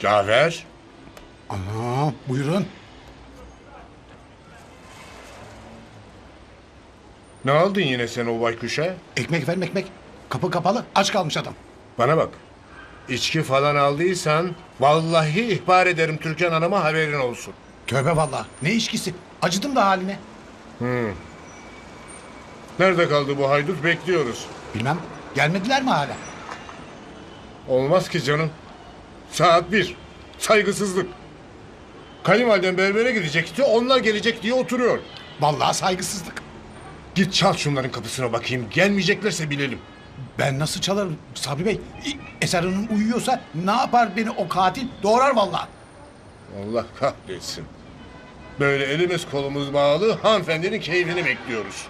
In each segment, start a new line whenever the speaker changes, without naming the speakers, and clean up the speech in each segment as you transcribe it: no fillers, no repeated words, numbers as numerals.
Cafer.
Ana buyurun.
Ne aldın yine sen o baykuşa?
Ekmek efendim ekmek. Kapı kapalı aç kalmış adam.
Bana bak. İçki falan aldıysan vallahi ihbar ederim Türkan Hanım'a, haberin olsun.
Tövbe vallahi ne içkisi. Acıdım da haline.
Nerede kaldı bu haydut, bekliyoruz.
Bilmem gelmediler mi hala?
Olmaz ki canım. Saat 1. Saygısızlık. Kayınvaliden berbere gidecekti, onlar gelecek diye oturuyor.
Vallahi saygısızlık.
Git çal şunların kapısına bakayım. Gelmeyeceklerse bilelim.
Ben nasıl çalarım Sabri Bey? Eser Hanım uyuyorsa ne yapar beni o katil? Doğrar vallahi.
Allah kahretsin. Böyle elimiz kolumuz bağlı hanımefendinin keyfini bekliyoruz.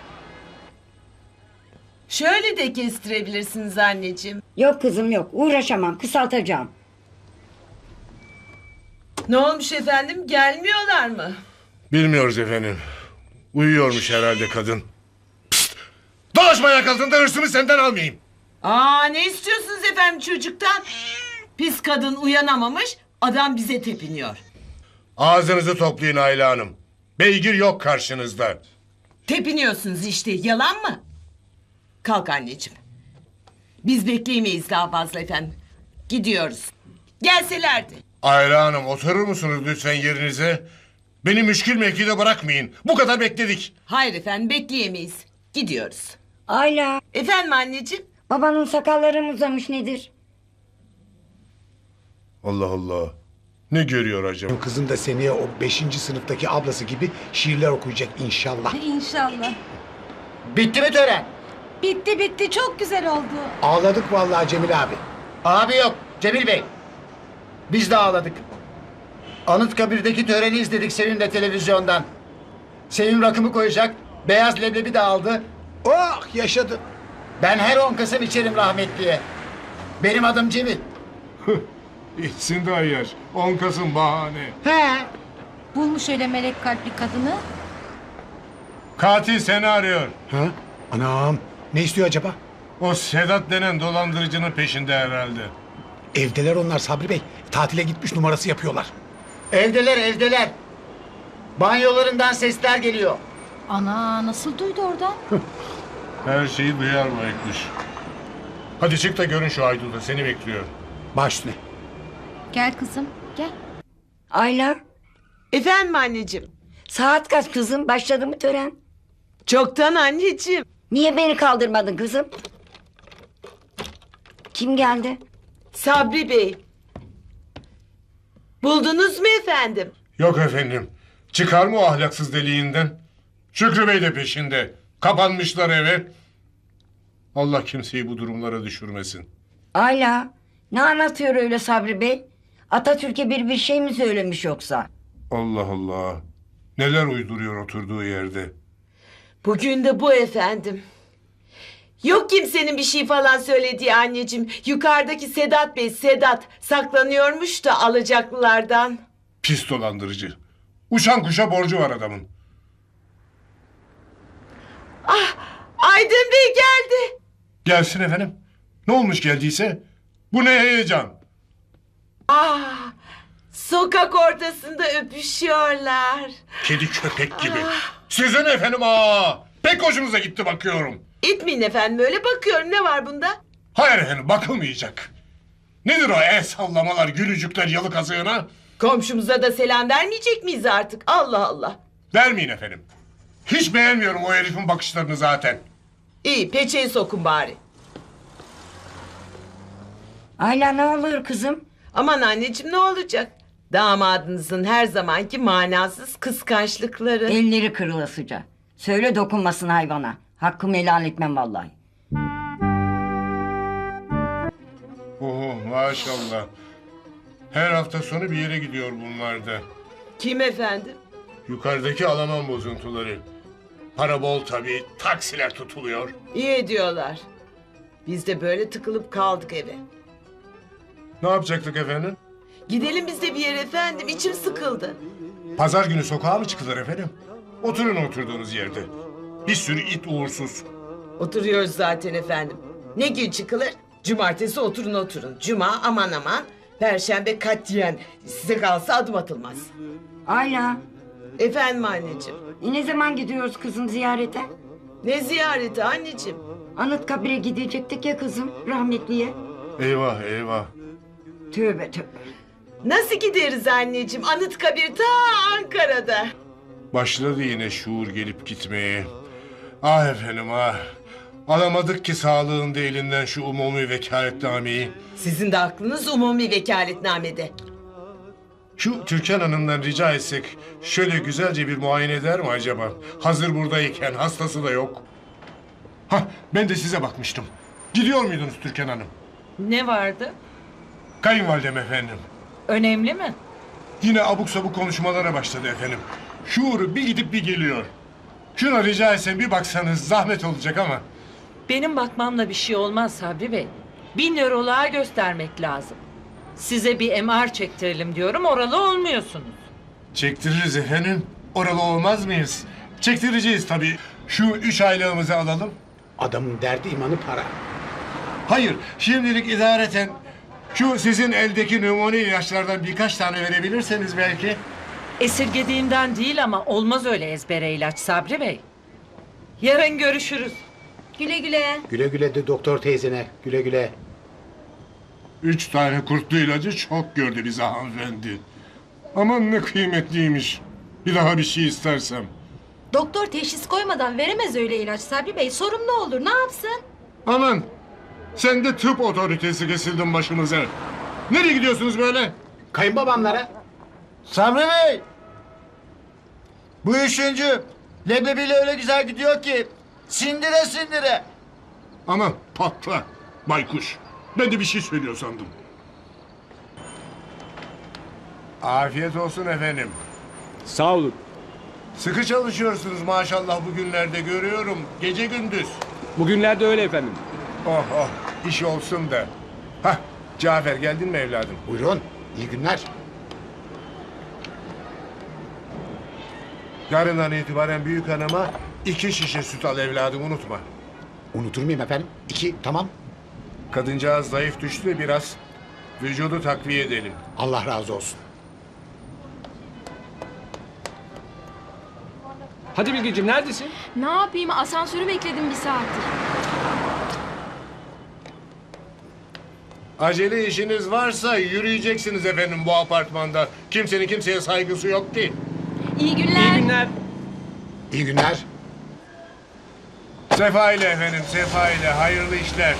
Şöyle de kestirebilirsiniz anneciğim.
Yok kızım yok. Uğraşamam. Kısaltacağım.
Ne olmuş efendim? Gelmiyorlar mı?
Bilmiyoruz efendim. Uyuyormuş herhalde kadın. Pişt! Dolaşma ayak altında, hırsımı senden almayayım.
Aa, ne istiyorsunuz efendim çocuktan? Pis kadın uyanamamış, adam bize tepiniyor.
Ağzınızı toplayın Ayla Hanım. Beygir yok karşınızda.
Tepiniyorsunuz işte, yalan mı? Kalk anneciğim. Biz bekleyemeyiz daha fazla efendim. Gidiyoruz. Gelselerdi.
Ayla Hanım, oturur musunuz lütfen yerinize? Beni müşkül mevkide bırakmayın. Bu kadar bekledik.
Hayır efendim, bekleyemeyiz. Gidiyoruz.
Ayla.
Efendim anneciğim?
Babanın sakalları mı uzamış nedir?
Allah Allah. Ne görüyor acaba?
Kızın da seneye o 5. sınıftaki ablası gibi şiirler okuyacak inşallah.
İnşallah.
Bitti mi tören?
Bitti bitti çok güzel oldu.
Ağladık vallahi Cemil abi.
Abi yok Cemil Bey. Biz de ağladık. Anıtkabir'deki töreni izledik Sevim'le televizyondan. Sevim rakımı koyacak. Beyaz leblebi de aldı.
Oh yaşadı.
Ben her 10 Kasım içerim rahmetliye. Benim adım Cemil.
İçsin de ayar. 10 Kasım bahane.
He.
Bulmuş öyle melek kalpli kadını.
Katil seni arıyor.
Ha? Anam ne istiyor acaba?
O Sedat denen dolandırıcının peşinde herhalde.
Evdeler onlar Sabri Bey. Tatile gitmiş numarası yapıyorlar.
Evdeler evdeler. Banyolarından sesler geliyor.
Ana nasıl duydu oradan?
Her şeyi duyar bu ekmiş. Hadi çık da görün şu haydudu, seni bekliyor.
Baş üstüne.
Gel kızım gel.
Ayla.
Efendim anneciğim?
Saat kaç kızım? Başladı mı tören?
Çoktan anneciğim.
Niye beni kaldırmadın kızım? Kim geldi?
Sabri Bey. Buldunuz mu efendim?
Yok efendim. Çıkar mı o ahlaksız deliğinden? Şükrü Bey de peşinde. Kapanmışlar eve. Allah kimseyi bu durumlara düşürmesin.
Ayla. Ne anlatıyor öyle Sabri Bey? Atatürk'e bir şey mi söylemiş yoksa?
Allah Allah. Neler uyduruyor oturduğu yerde.
Bugün de bu efendim. Yok kimsenin bir şey falan söylediği anneciğim. Yukarıdaki Sedat Bey, Sedat saklanıyormuş da alacaklılardan.
Pis dolandırıcı. Uçan kuşa borcu var adamın.
Aydın Bey geldi.
Gelsin efendim. Ne olmuş geldiyse? Bu ne heyecan?
Sokak ortasında öpüşüyorlar.
Kedi köpek gibi. Sizin efendim pek hoşunuza gitti bakıyorum.
İtmeyin efendim, öyle bakıyorum, ne var bunda?
Hayır efendim, bakılmayacak. Nedir o el sallamalar, gülücükler yalı kazığına?
Komşumuza da selam vermeyecek miyiz artık? Allah Allah.
Vermeyin efendim. Hiç beğenmiyorum o herifin bakışlarını zaten.
İyi, peçeyi sokun bari.
Ayla ne oluyor kızım?
Aman anneciğim, ne olacak? Damadınızın her zamanki manasız kıskançlıkları.
Elleri kırılasıca. Söyle dokunmasın hayvana. Hakkımı helal etmem vallahi.
Maşallah. Her hafta sonu bir yere gidiyor bunlar da.
Kim efendim?
Yukarıdaki Alman bozuntuları. Para bol tabii, taksiler tutuluyor.
İyi ediyorlar. Biz de böyle tıkılıp kaldık eve.
Ne yapacaktık efendim?
Gidelim biz de bir yere efendim, içim sıkıldı.
Pazar günü sokağa mı çıkılır efendim? Oturun oturduğunuz yerde. Bir sürü it uğursuz.
Oturuyoruz zaten efendim. Ne gün çıkılır? Cumartesi oturun oturun. Cuma aman aman. Perşembe katiyen size kalsa adım atılmaz.
Ayla.
Efendim anneciğim.
Ne zaman gidiyoruz kızım ziyarete?
Ne ziyareti anneciğim?
Anıtkabir'e gidecektik ya kızım rahmetliye.
Eyvah eyvah.
Tövbe tövbe.
Nasıl gideriz anneciğim? Anıtkabir ta Ankara'da.
Başladı yine şuur gelip gitmeye. Ah efendim ah. Alamadık ki sağlığında elinden şu umumi vekaletnameyi.
Sizin de aklınız umumi vekaletnamede.
Şu Türkan Hanım'dan rica etsek şöyle güzelce bir muayene eder mi acaba? Hazır buradayken hastası da yok. Hah ben de size bakmıştım. Gidiyor muydunuz Türkan Hanım?
Ne vardı?
Kayınvalidem efendim.
Önemli mi?
Yine abuk sabuk konuşmalara başladı efendim. Şuuru bir gidip bir geliyor. Şuna rica etsem bir baksanız zahmet olacak ama.
Benim bakmamla bir şey olmaz Sabri Bey. 1000 nöroloğa göstermek lazım. Size bir MR çektirelim diyorum, oralı olmuyorsunuz.
Çektiririz efendim. Oralı olmaz mıyız? Çektireceğiz tabii. Şu 3 aylığımızı alalım.
Adamın derdi imanı para.
Hayır, şimdilik idareten şu sizin eldeki numune ilaçlardan birkaç tane verebilirseniz belki.
Esirgediğimden değil ama olmaz öyle ezbere ilaç Sabri Bey. Yarın görüşürüz.
Güle güle.
Güle güle de doktor teyzene. Güle güle.
3 tane kurtlu ilacı çok gördü bize hanımefendi. Aman ne kıymetliymiş. Bir daha bir şey istersem.
Doktor teşhis koymadan veremez öyle ilaç Sabri Bey. Sorun ne olur, ne yapsın?
Aman sen de tıp otoritesi kesildin başımıza. Nereye gidiyorsunuz böyle?
Kayınbabamlara.
Sabri Bey! Bu üçüncü. Leblebiyle öyle güzel gidiyor ki. Sindire sindire.
Aman patla baykuş. Ben de bir şey söylüyor sandım. Afiyet olsun efendim.
Sağ olun.
Sıkı çalışıyorsunuz maşallah bugünlerde görüyorum. Gece gündüz.
Bugünlerde öyle efendim.
Oh oh iş olsun da. Hah Cafer geldin mi evladım?
Buyurun. İyi günler.
Yarından itibaren büyük hanıma 2 şişe süt al evladım unutma.
Unutur muyum efendim? 2 tamam.
Kadıncağız zayıf düştü de biraz. Vücudu takviye edelim.
Allah razı olsun.
Hadi Bilgeciğim neredesin?
Ne yapayım, asansörü bekledim bir saattir.
Acele işiniz varsa yürüyeceksiniz efendim bu apartmanda. Kimsenin kimseye saygısı yok ki.
İyi günler.
İyi günler.
İyi günler.
Sefa ile efendim, sefa ile. Hayırlı işler.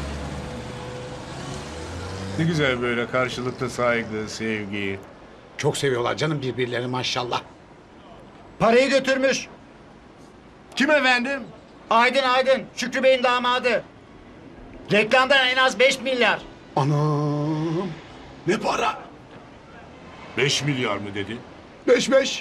Ne güzel böyle karşılıklı saygı, sevgi.
Çok seviyorlar canım birbirlerini maşallah.
Parayı götürmüş.
Kim efendim?
Aydın Aydın. Şükrü Bey'in damadı. Reklamdan en az 5 milyar.
Anam. Ne para?
5 milyar mı dedi?
5.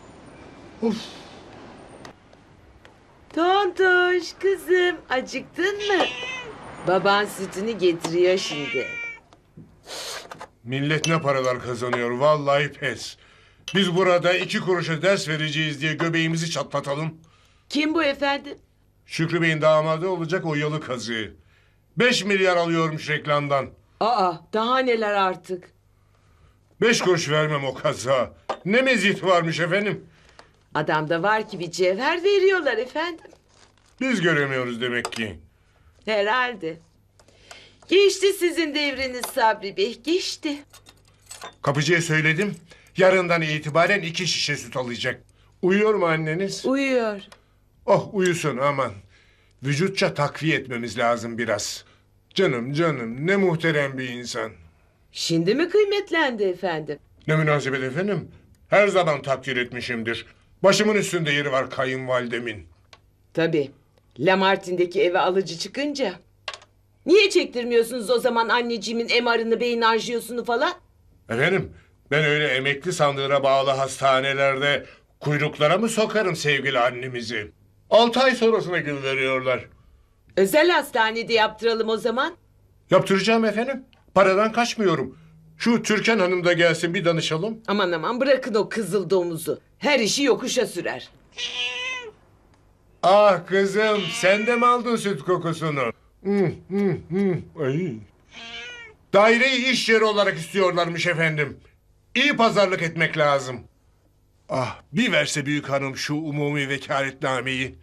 Tontoş kızım acıktın mı? Baban sütünü getiriyor şimdi.
Millet ne paralar kazanıyor vallahi pes. Biz burada 2 kuruşa ders vereceğiz diye göbeğimizi çatlatalım.
Kim bu efendim?
Şükrü Bey'in damadı olacak o yalı kazığı. 5 milyar alıyormuş reklamdan.
Aa daha neler artık.
5 kuruş vermem o kaza. Ne meziyeti varmış efendim.
Adamda var ki bir cevher veriyorlar efendim.
Biz göremiyoruz demek ki.
Herhalde. Geçti sizin devriniz Sabri Bey, geçti.
Kapıcıya söyledim. Yarından itibaren 2 şişe süt alacak. Uyuyor mu anneniz?
Uyuyor.
Oh uyusun aman. Vücutça takviye etmemiz lazım biraz. Canım canım ne muhterem bir insan.
Şimdi mi kıymetlendi efendim?
Ne münasebet efendim. Her zaman takdir etmişimdir. Başımın üstünde yeri var kayınvalidemin.
Tabii. Lamartin'deki eve alıcı çıkınca. Niye çektirmiyorsunuz o zaman anneciğimin MR'ını, beyin anjiyosunu falan?
Efendim ben öyle emekli sandığına bağlı hastanelerde kuyruklara mı sokarım sevgili annemizi? 6 ay sonrasına gün veriyorlar.
Özel hastanede yaptıralım o zaman.
Yaptıracağım efendim. Paradan kaçmıyorum. Şu Türkan Hanım da gelsin bir danışalım.
Aman aman bırakın o kızıl domuzu. Her işi yokuşa sürer.
Ah kızım sen de mi aldın süt kokusunu? Ay. Daireyi iş yeri olarak istiyorlarmış efendim. İyi pazarlık etmek lazım. Ah, bir verse büyük hanım şu umumi vekaletnameyi.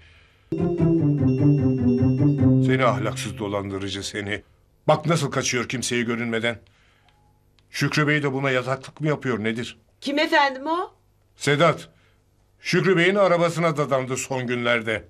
Seni ahlaksız dolandırıcı seni. Bak nasıl kaçıyor kimseye görünmeden. Şükrü Bey de buna yataklık mı yapıyor nedir?
Kim efendim o?
Sedat, Şükrü Bey'in arabasına dadandı son günlerde.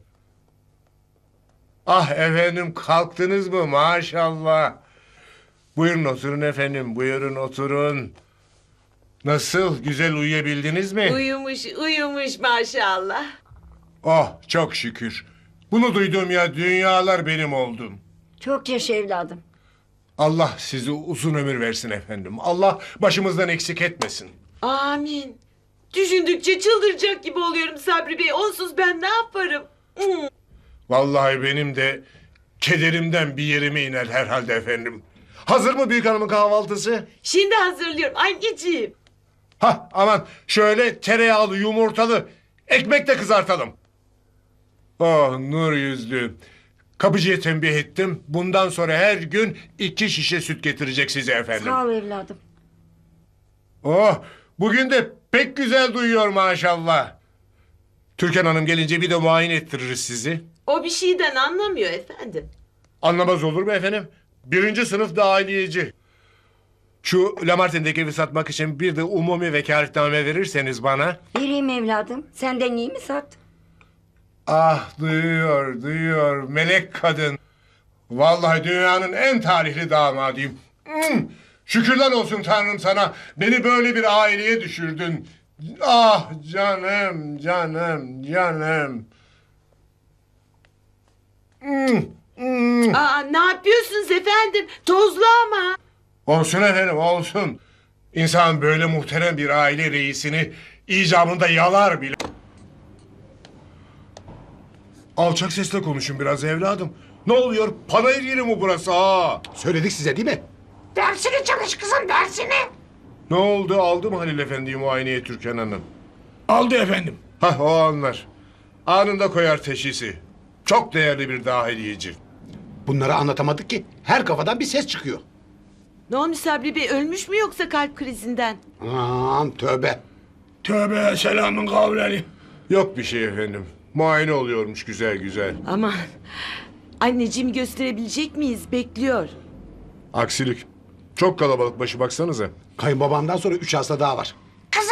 Ah efendim kalktınız mı maşallah. Buyurun oturun efendim, buyurun oturun. Nasıl, güzel uyuyabildiniz mi?
Uyumuş maşallah.
Oh, çok şükür. Bunu duyduğum ya dünyalar benim oldum.
Çok yaşa evladım.
Allah sizi uzun ömür versin efendim. Allah başımızdan eksik etmesin.
Amin. Düşündükçe çıldıracak gibi oluyorum Sabri Bey. Onsuz ben ne yaparım?
Vallahi benim de kederimden bir yerime iner herhalde efendim. Hazır mı büyük hanımın kahvaltısı?
Şimdi hazırlıyorum anneciğim.
Hah aman şöyle tereyağlı yumurtalı ekmek de kızartalım. Oh nur yüzlü. Kapıcıya tembih ettim. Bundan sonra her gün 2 şişe süt getirecek size efendim.
Sağ ol evladım.
Oh bugün de pek güzel duyuyor maşallah. Türkan Hanım gelince bir de muayene ettiririz sizi.
O bir şeyden anlamıyor efendim.
Anlamaz olur mu efendim? 1. sınıf dahiliyeci. Şu Lamartin'deki evi satmak için bir de umumi vekaletname verirseniz bana.
Vereyim evladım. Senden iyi mi sat?
Ah duyuyor melek kadın. Vallahi dünyanın en talihli damadıyım. Şükürler olsun Tanrım sana. Beni böyle bir aileye düşürdün. Ah canım.
Aa, ne yapıyorsunuz efendim? Tozlu ama.
Olsun efendim olsun. İnsan böyle muhterem bir aile reisini icabında yalar bile. Alçak sesle konuşun biraz evladım. Ne oluyor? Panayır yeri mi burası ha?
Söyledik size değil mi?
Dersini çalış kızım dersini.
Ne oldu? Aldı mı Halil Efendi'yi muayeneye Türkan Hanım?
Aldı efendim.
Hah o anlar. Anında koyar teşhisi. Çok değerli bir dahiliyeci.
Bunları anlatamadık ki. Her kafadan bir ses çıkıyor.
Ne olmuş Sabri Bey, ölmüş mü yoksa kalp krizinden?
Aman tövbe.
Tövbe selamın kavleni.
Yok bir şey efendim. Muayene oluyormuş güzel.
Aman. Anneciğim gösterebilecek miyiz? Bekliyor.
Aksilik. Çok kalabalık başı baksanıza.
Kayınbabamdan sonra 3 hasta daha var.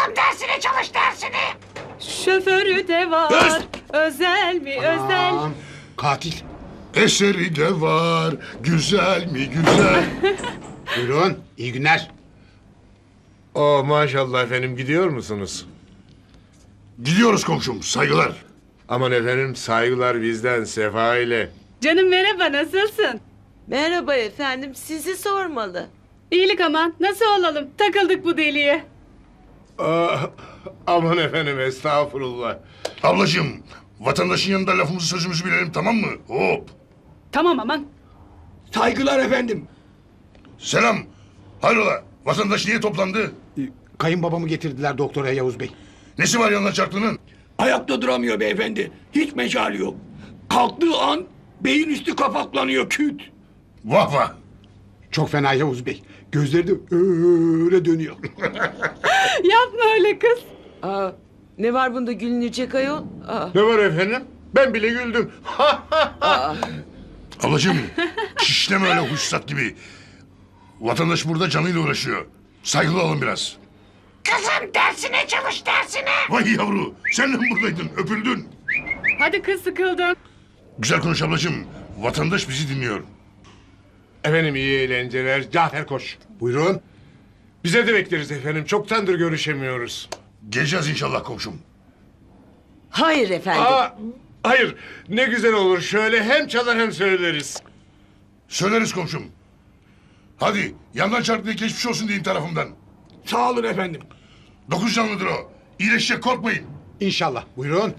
Şoförü de var. Özel mi özel?
Aman, katil.
Eseri de var. Güzel mi güzel.
Buyurun. İyi günler.
Oh maşallah efendim gidiyor musunuz?
Gidiyoruz komşum saygılar.
Aman efendim saygılar bizden Sefa ile.
Canım merhaba, nasılsın?
Merhaba efendim, sizi sormalı.
İyilik aman, nasıl olalım? Takıldık bu deliye.
Ah, aman efendim estağfurullah.
Ablacığım vatandaşın yanında lafımızı sözümüzü bilelim tamam mı? Hop.
Tamam aman.
Saygılar efendim. Selam. Hayrola vatandaş niye toplandı?
Kayınbabamı getirdiler doktora Yavuz Bey.
Nesi var yanına çarklının?
Ayakta duramıyor beyefendi. Hiç mecali yok. Kalktığı an beyin üstü kapaklanıyor küt.
Vah vah.
Çok fena Yavuz Bey. Gözleri de öyle dönüyor.
Yapma öyle kız.
Aa, ne var bunda gülünecek ayol? Aa,
Ne var efendim? Ben bile güldüm.
Ablacığım şişleme öyle huşsat gibi. Vatandaş burada canıyla uğraşıyor. Saygılı olun biraz.
Kızım dersine çalış dersine.
Vay yavru sen de mi buradaydın öpüldün.
Hadi kız, sıkıldım.
Güzel konuş ablacığım. Vatandaş bizi dinliyor.
Efendim iyi eğlenceler. Cafer koş.
Buyurun.
Bize de bekleriz efendim. Çoktandır görüşemiyoruz.
Geleceğiz inşallah komşum.
Hayır efendim.
Hayır ne güzel olur. Şöyle hem çalar hem söyleriz.
Söyleriz komşum. Hadi yandan çarptığı geçmiş olsun deyin tarafımdan.
Sağ olun efendim.
9 canlıdır o. İyileşecek korkmayın.
İnşallah. Buyurun.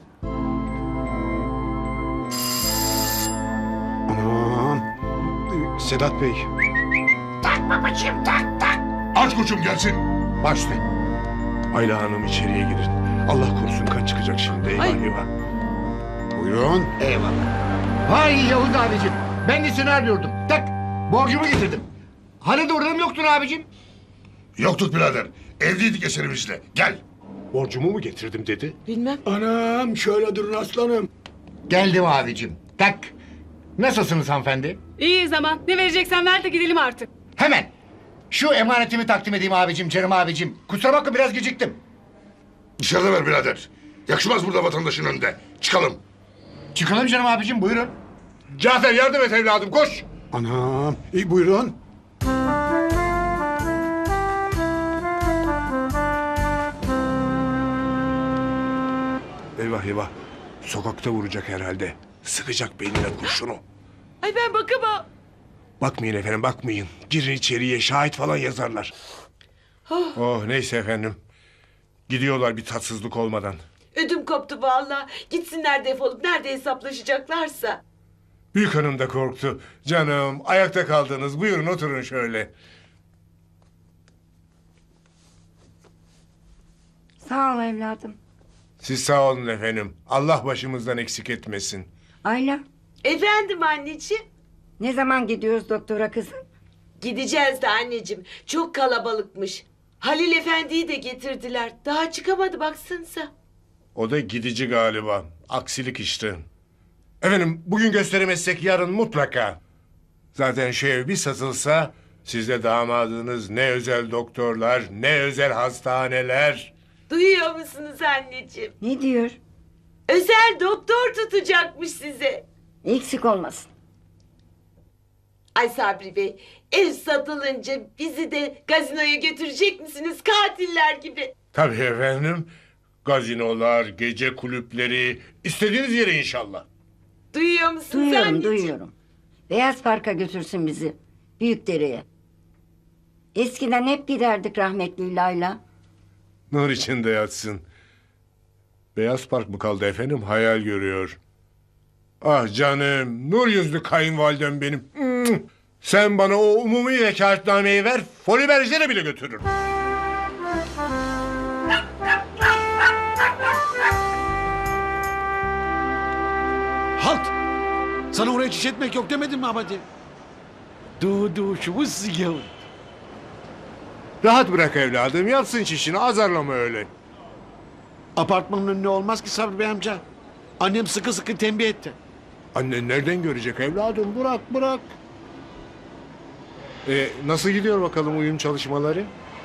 Aman. Sedat Bey.
Aç koçum gelsin.
Baş üstüne.
Ayla Hanım içeriye girin. Allah korusun kaç çıkacak şimdi. Eyvah
Ay.
eyvah.
Buyurun.
Eyvallah. Vay Yavuz abicim. Ben de seni arıyordum. Tak borcumu getirdim. Hani durum yoktun abicim?
Yoktuk birader. Evliydik eserimizle. Gel.
Borcumu mu getirdim dedi?
Bilmem.
Anam şöyle durun aslanım.
Geldim abicim. Tak. Nasılsınız hanımefendi?
İyi zaman. Ne vereceksen ver de gidelim artık.
Hemen. Şu emanetimi takdim edeyim abicim, canım abicim. Kusura bakma biraz geciktim.
Dışarıda ver birader. Yakışmaz burada vatandaşın önünde. Çıkalım.
Çıkalım canım abicim, buyurun.
Cafer yardım et evladım koş.
Anam. İyi buyurun.
Eyvah eyvah. Sokakta vuracak herhalde. Sıkacak beynine kurşunu.
Ay ben bakamam.
Bakmayın efendim bakmayın. Girin içeriye şahit falan yazarlar. Oh neyse efendim. Gidiyorlar bir tatsızlık olmadan.
Ödüm koptu vallahi. Gitsinler defolup nerede hesaplaşacaklarsa.
Büyük hanım da korktu. Canım ayakta kaldınız. Buyurun oturun şöyle.
Sağ ol evladım.
Siz sağ olun efendim. Allah başımızdan eksik etmesin.
Ayla,
Efendim anneciğim.
ne zaman gidiyoruz doktora kızım?
Gideceğiz de anneciğim. Çok kalabalıkmış. Halil Efendi'yi de getirdiler. Daha çıkamadı baksanıza.
O da gidici galiba. Aksilik işte. Efendim bugün gösteremezsek yarın mutlaka. Zaten şu ev bir satılsa sizde damadınız ne özel doktorlar ne özel hastaneler.
Duyuyor musunuz anneciğim?
Ne diyor?
Özel doktor tutacakmış size.
Eksik olmasın.
Ay Sabri Bey, ev satılınca bizi de gazinoya götürecek misiniz katiller gibi?
Tabii efendim. Gazinolar, gece kulüpleri, istediğiniz yere inşallah.
Duyuyor musunuz
Duyuyorum,
anneciğim?
duyuyorum. Beyaz Park'a götürsün bizi. Büyükdere'ye. Eskiden hep giderdik rahmetli Layla.
Nur içinde yatsın. Beyaz Park mı kaldı efendim? Hayal görüyor. Ah canım, nur yüzlü kayınvalidem benim. Sen bana o umumi vekaletnameyi ver, Foli Berjer'e bile götürürüm.
Halt! Sana oraya çiş etmek yok demedim mi abadi? Du şu bu yavrum.
Rahat bırak evladım, yatsın çişini, azarlama öyle.
Apartmanın önüne olmaz ki Sabri Bey amca. Annem sıkı sıkı tembih etti.
Annen nereden görecek evladım? Bırak. Nasıl gidiyor bakalım uyum çalışmaları?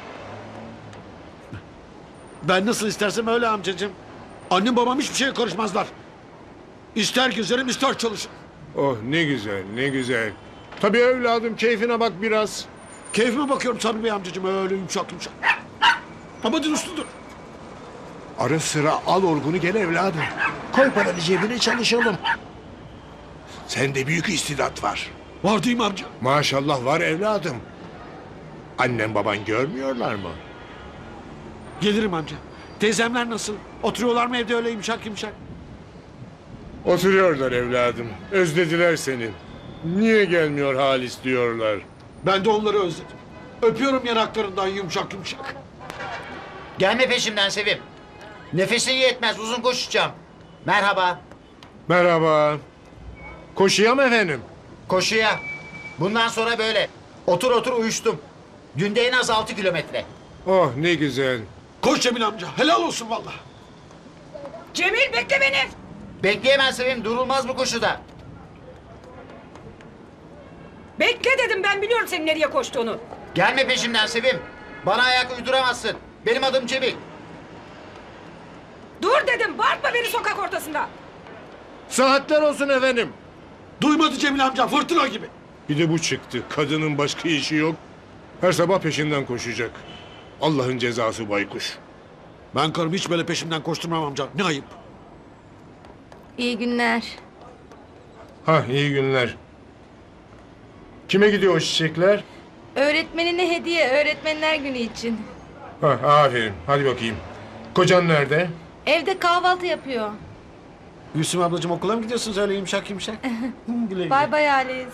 Ben nasıl istersem öyle amcacığım. Annem babam hiçbir şeye karışmazlar. İster gezerim ister çalışırım.
Oh ne güzel, ne güzel. Tabii evladım keyfine bak biraz.
Keyfime bakıyorum Sabri Bey amcacığım öyle yumuşak. Abadi usludur.
Ara sıra al orgunu gel evladım. Koy paranı cebine çalışalım. Sende büyük istidat var.
Var değil mi amca?
Maşallah var evladım. Annen baban görmüyorlar mı?
Gelirim amca. Teyzemler nasıl? Oturuyorlar mı evde öyle yumuşak?
Oturuyorlar evladım. Özlediler seni. Niye gelmiyor Halis diyorlar.
Ben de onları özledim. Öpüyorum yanaklarından yumuşak.
Gelme peşimden Sevim. Nefesin yetmez, uzun koşacağım. Merhaba.
Merhaba. Koşuya mı efendim?
Koşuya. Bundan sonra böyle. Otur uyuştum. Günde en az 6 kilometre.
Oh ne güzel.
Koş Cemil amca. Helal olsun vallahi.
Cemil bekle beni.
Bekleyemez Sevim, durulmaz bu koşuda.
Bekle dedim, ben biliyorum senin nereye koştuğunu.
Gelme peşimden Sevim. Bana ayak uyduramazsın. Benim adım Cemil.
Dur dedim, bağırtma beni sokak ortasında.
Saatler olsun efendim.
Duymadı Cemil amca fırtına gibi.
Bir de bu çıktı. Kadının başka işi yok. Her sabah peşinden koşacak. Allah'ın cezası baykuş.
Ben karımı hiç böyle peşimden koşturmam amca. Ne ayıp.
İyi günler.
Ha iyi günler. Kime gidiyor o çiçekler?
Öğretmenine hediye, öğretmenler günü için.
Ha aferin. Hadi bakayım. Kocan nerede?
Evde kahvaltı yapıyor.
Gülsüm ablacığım okula mı gidiyorsunuz öyle yumuşak? Güle güle.
Bay bay Halis.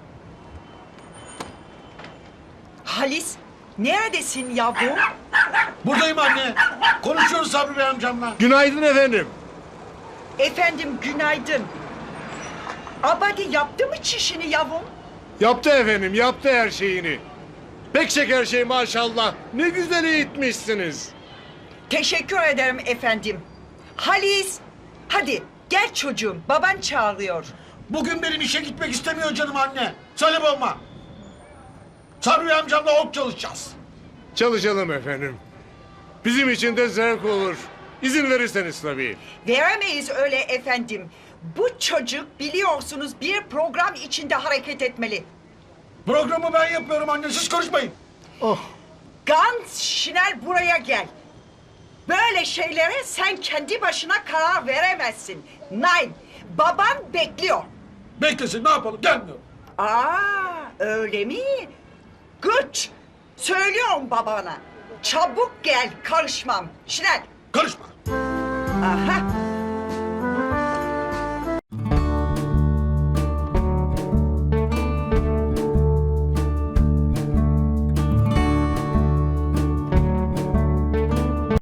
Halis, neredesin yavrum?
Buradayım anne. Konuşuyoruz Sabri Bey amcamla.
Günaydın efendim.
Efendim günaydın. Abadi yaptı mı çişini yavrum?
Yaptı efendim. Yaptı her şeyini. Pek şeker şey maşallah. Ne güzel eğitmişsiniz.
Teşekkür ederim efendim. Halis, hadi gel çocuğum, baban çağırıyor.
Bugün benim işe gitmek istemiyor canım anne. Söyle babama. Sabri amcamla ok çalışacağız.
Çalışalım efendim. Bizim için de zevk olur. İzin verirseniz tabii.
Veremeyiz öyle efendim. Bu çocuk biliyorsunuz bir program içinde hareket etmeli.
Programı ben yapıyorum anne, siz konuşmayın.
Gans Şinel buraya gel. Böyle şeylere sen kendi başına karar veremezsin. Nein, baban bekliyor.
Beklesin, ne yapalım, gelmiyor.
Öyle mi? Güç. Söylüyorum babana. Çabuk gel, karışmam. Şinel.
Karışma.
Aha.